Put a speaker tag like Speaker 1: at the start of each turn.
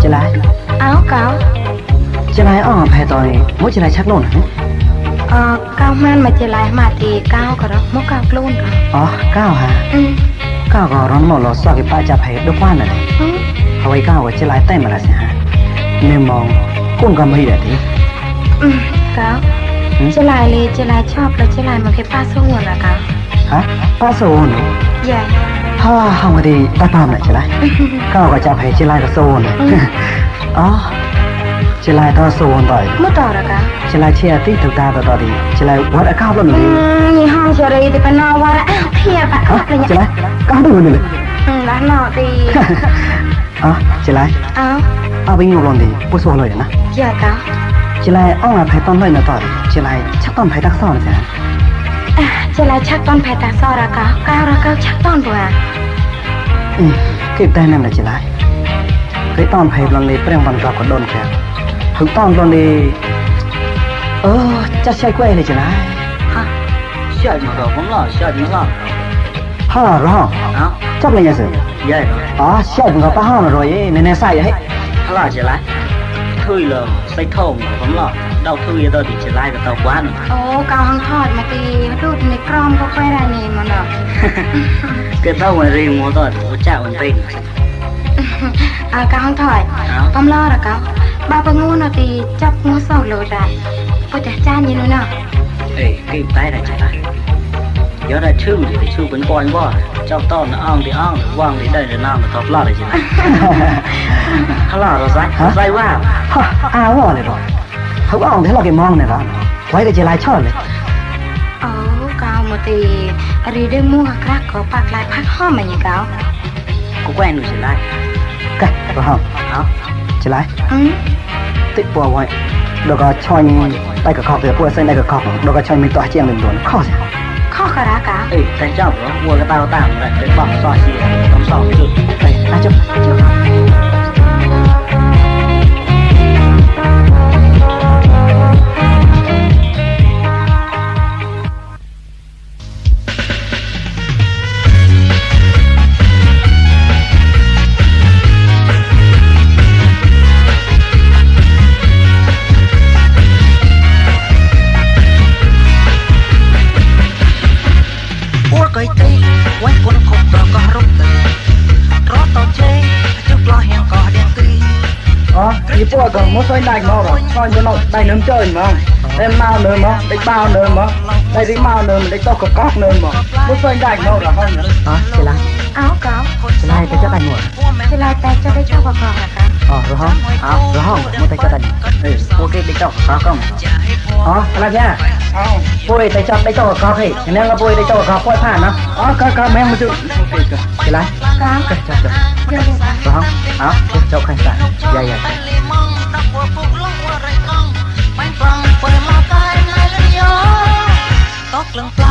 Speaker 1: จะไร
Speaker 2: áo cáo
Speaker 1: จะไรอ๋อแพ้ตอนนี้มุจะไรชักโน่นฮะ
Speaker 2: cao man mà chỉ lại mà thì cao cả đó mốc cao luôn cả
Speaker 1: อ๋อก้าวฮะ
Speaker 2: ừ
Speaker 1: ก้าวก็ร้อนหมดเราสอบกับป้าจะแพ้ด้วยกว้านน่ะ
Speaker 2: ừ
Speaker 1: เอาไว้ก้าวก็จะไรเต้มาละสิฮะเมื่อมองกุ้งก็ไม่ได้ที
Speaker 2: ừ cáo chỉ lại chọc là chỉ lại mà cái pa số nguồn là cáo
Speaker 1: ฮะป้าโซน
Speaker 2: dạ
Speaker 1: ฮ่าห้องดีตาปามน่ะจะไรก้าวก็จะแพ้จะไรก็โซนอ๋อจะไรต่อโซนต่อย
Speaker 2: mất tỏ là cáo
Speaker 1: จะไรเชียร์ที่ถูกตาต่อดีจะไรวัดก้าวแล้วหนู
Speaker 2: nhìn hong chờ đây thì phải no qua đã kia bạn
Speaker 1: ฮะ
Speaker 2: là
Speaker 1: จะไร
Speaker 2: nhỉ
Speaker 1: ก้าวดูนี่เลย
Speaker 2: ừ đã no thì
Speaker 1: อ๋อจะไร
Speaker 2: áo
Speaker 1: เอาไปงูลงดีผู้สู้เลยนะ
Speaker 2: dạ cáo
Speaker 1: จะไรอ้องมาไผ่ต้นเลยนะต่อยจะไรชักต้นไผ่ตักซ่อนสิฮะ
Speaker 2: chỉ lại chắc con phải ta so ra cáo chắc con vừa à
Speaker 1: เก็บได้นั่นแหละจะไรเคยต้อนไผ่ลงเลยเปรี้ยงวันกลับก็โดนแค่ถึงต้อนลงเลยจะใช้กล้วยเลยจะไร
Speaker 2: hả
Speaker 3: 下井了，我们了，下井了，
Speaker 1: ฮ่าร้อง
Speaker 3: 啊，
Speaker 1: จับเลยยังสิ
Speaker 3: 耶了，
Speaker 1: อ๋อเชี่ยวมึงกับป้าห้องเลยในใส่ให้
Speaker 3: 他拉起来，退了，塞透了，我们了，到退到底起来个到关了，
Speaker 2: ồ cao hăng thọt mà thì đút này crom có quay ra nhìn mà nè
Speaker 3: 个到我这摸到我家我背，
Speaker 2: cao hăng thọt
Speaker 3: 啊，
Speaker 2: con lo rồi cáo ba bà ngu nào thì chấp ngu sầu lồi ra có chả cha như nữa nè
Speaker 3: 哎，给带来起来，有点吃的吃本关吧，叫到那昂的昂，往的带着那么到拉的起来，他拉了塞哇，
Speaker 1: ฮ่าอ้าวเลยหรอเขาอ้องที่เราเก็บมองเนี่ยหรอไว้ก็จะไรชอบเลย
Speaker 2: ồ cao mà thì đi đây mua các có bạc lại phát hôm mà nhỉ cáo
Speaker 3: 我关你起来，
Speaker 1: กันก็ห้อง
Speaker 3: 好，
Speaker 1: จะไร
Speaker 2: ừ
Speaker 1: ติดปัวไว้แล้วก็ช่อยได้กับข้าวเสือปัวเส้นได้กับข้าวแล้วก็ช่อยมีตัวเจียงหนึ่งตัวข้อสิ
Speaker 2: khó khả ra cáo
Speaker 3: 哎，在这不，我个到大了，得帮刷洗，帮扫地。
Speaker 1: ไปน่าจะ
Speaker 4: อ้วกไก่ตีไว้คนขบเราก็รุกตีรอต่อเจจุกลอเฮียงก็เดียงตี
Speaker 1: อ๋อยี่ปัวก็มุ้งช่อยได้มั้งหรอช่อยจะนอนได้เนื้อเจยมั้งได้มาเนื้อมั้งได้เปล่าเนื้อมั้งได้ที่มาเนื้อได้โต๊ะกับก๊อกเนื้อมั้งมุ้งช่อยได้มั้งหรอห้องเนี่ยอ๋อจะไร
Speaker 2: áo cáo
Speaker 1: จะไรแต่จะได้หมด
Speaker 2: chỉ lại tay cho đây cho vào cò là cáo
Speaker 1: อ๋อรอห้องรอห้องมุ้งแต่จะได้
Speaker 3: 哎，我给你找啥讲？
Speaker 1: อ๋ออะไรเนี่ยปุ้ยแต่จับได้โต๊ะกับก๊อกให้อย่างนั้นก็ปุ้ยได้โต๊ะกับก๊อกปุ้ยผ่านนะอ๋อก็แม่งมาจุจะไร
Speaker 2: cáo
Speaker 1: ก็จับ
Speaker 2: giờ đây cáo
Speaker 1: รอห้องเจ้าใครสั่งใหญ่
Speaker 4: ลีมังตักวัวปุกลงวัวไรกองไปฟังเปิดมาตายนายเลยยอตกลังปลา